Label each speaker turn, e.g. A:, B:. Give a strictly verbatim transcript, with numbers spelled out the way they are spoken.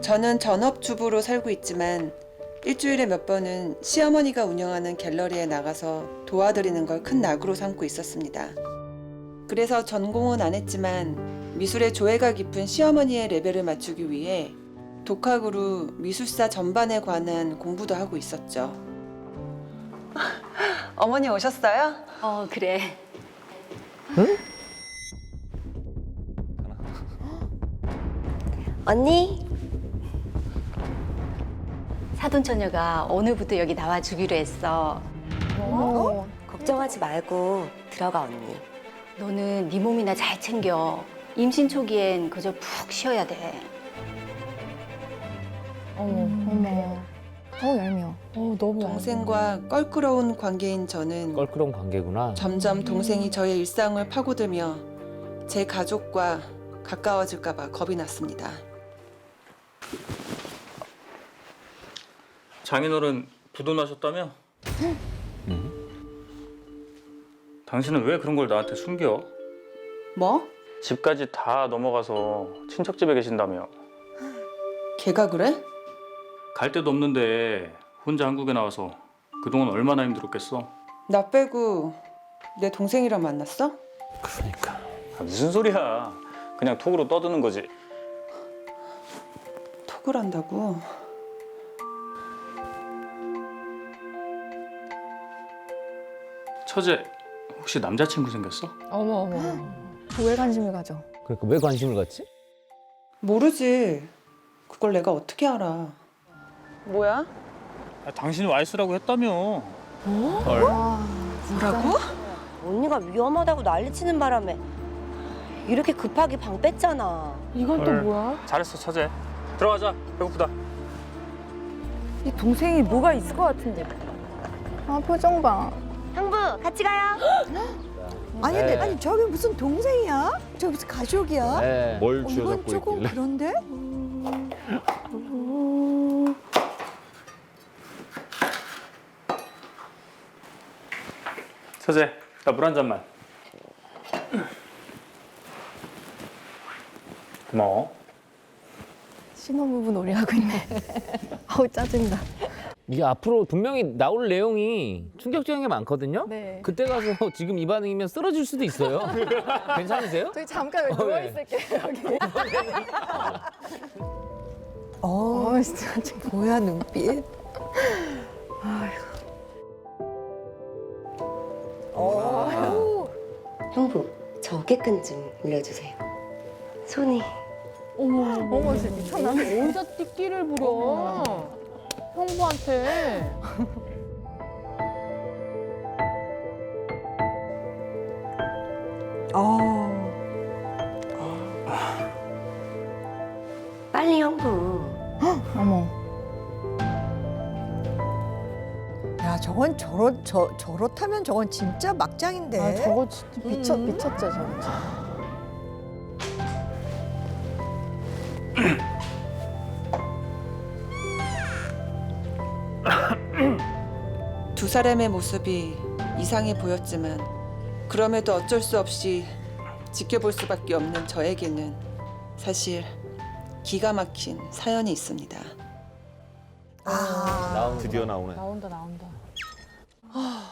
A: 저는 전업주부로 살고 있지만 일주일에 몇 번은 시어머니가 운영하는 갤러리에 나가서 도와드리는 걸 큰 낙으로 삼고 있었습니다. 그래서 전공은 안 했지만 미술의 조예가 깊은 시어머니의 레벨을 맞추기 위해 독학으로 미술사 전반에 관한 공부도 하고 있었죠. 어머니 오셨어요?
B: 어, 그래.
C: 언니?
B: 사돈처녀가 오늘부터 여기 나와주기로 했어.
C: 어? 걱정하지 말고 들어가 언니.
B: 너는 네 몸이나 잘 챙겨. 임신 초기엔 그저 푹 쉬어야 돼.
D: 어머, 어머. 어, 얄미워. 어, 너무
A: 동생과 껄끄러운 관계인 저는
E: 껄끄러운 관계구나.
A: 점점 동생이 저의 일상을 파고들며 제 가족과 가까워질까 봐 겁이 났습니다.
F: 장인어른 부도나셨다며? 당신은 왜 그런 걸 나한테 숨겨?
A: 뭐?
F: 집까지 다 넘어가서 친척집에 계신다며.
A: 걔가 그래?
F: 갈 데도 없는데 혼자 한국에 나와서 그동안 얼마나 힘들었겠어?
A: 나 빼고 내 동생이랑 만났어?
E: 그러니까.
F: 아, 무슨 소리야. 그냥 톡으로 떠드는 거지.
A: 톡을 한다고?
F: 처제, 혹시 남자친구 생겼어?
D: 어머, 어머. 왜 관심을 가져?
E: 그러니까 왜 관심을 갖지?
A: 모르지. 그걸 내가 어떻게 알아. 뭐야?
F: 아, 당신이 와이스라고 했다며.
A: 뭐라고?
C: 언니가 위험하다고 난리치는 바람에 이렇게 급하게 방 뺐잖아.
D: 이건 또
F: 헐.
D: 뭐야?
F: 잘했어, 처제. 들어가자. 배고프다.
G: 이 동생이 뭐가 있을 것 같은데.
D: 아, 표정 봐.
C: 형부 같이 가요.
H: 아니,
E: 네.
H: 근데 아니 저게 무슨 동생이야? 저게 무슨 가족이야?
E: 네.
I: 뭘
H: 어,
I: 쥐어
H: 이건
I: 잡고
H: 조금
I: 있길래.
H: 그런데?
F: 처제, 나 물 한 잔만. 고마워.
D: 신혼부부 놀이하고 있네. 아우, 짜증나.
E: 이게 앞으로 분명히 나올 내용이 충격적인 게 많거든요.
D: 네.
E: 그때 가서 지금 이 반응이면 쓰러질 수도 있어요. 괜찮으세요?
D: 저기 잠깐
E: 어,
D: 누워있을게요, 여기.
H: 어,
D: 어, 진짜. 지금.
H: 뭐야 눈빛? 어,
C: 형부 저 어깨끈 좀 올려주세요. 손이.
D: 어머, 진짜 미쳤나?
G: 혼자 띠끼를 부려. 형부한테.
H: 어,
C: 빨리 형부.
D: 어머.
H: 야 저건 저렇 저 저렇다면 저건 진짜 막장인데.
D: 아, 저거 진짜 미쳤,
H: 음.
D: 미쳤죠, 저거. 진짜.
A: 두 사람의 모습이 이상해 보였지만 그럼에도 어쩔 수 없이 지켜볼 수밖에 없는 저에게는 사실 기가 막힌 사연이 있습니다.
H: 아,
E: 나오는
I: 드디어 나오네.
G: 나온다, 나온다.
A: 아,